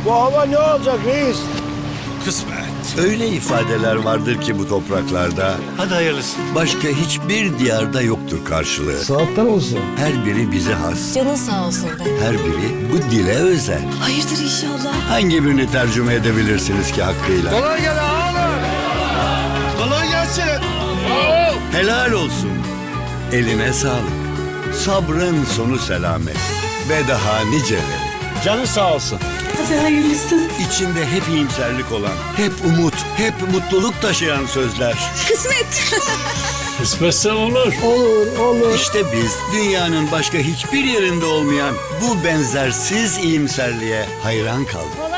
Bu hava ne olacak reis? Kısmet. Öyle ifadeler vardır ki bu topraklarda Hadi hayırlısı. başka hiçbir diyarda yoktur karşılığı. Saatler olsun. Her biri bize has, Canın sağ olsun be. her biri bu dile özel. Hayırdır inşallah. Hangi birini tercüme edebilirsiniz ki hakkıyla? Kolay gel ağalar. Kolay gelsin. Helal olsun. Eline sağlık. Sabrın sonu selamet. Ve daha niceleri. Canın sağ olsun. Hadi hayırlısı. İçinde hep iyimserlik olan, hep umut, hep mutluluk taşıyan sözler. Kısmet. Kısmetse olur. İşte biz dünyanın başka hiçbir yerinde olmayan bu benzersiz iyimserliğe hayran kaldık.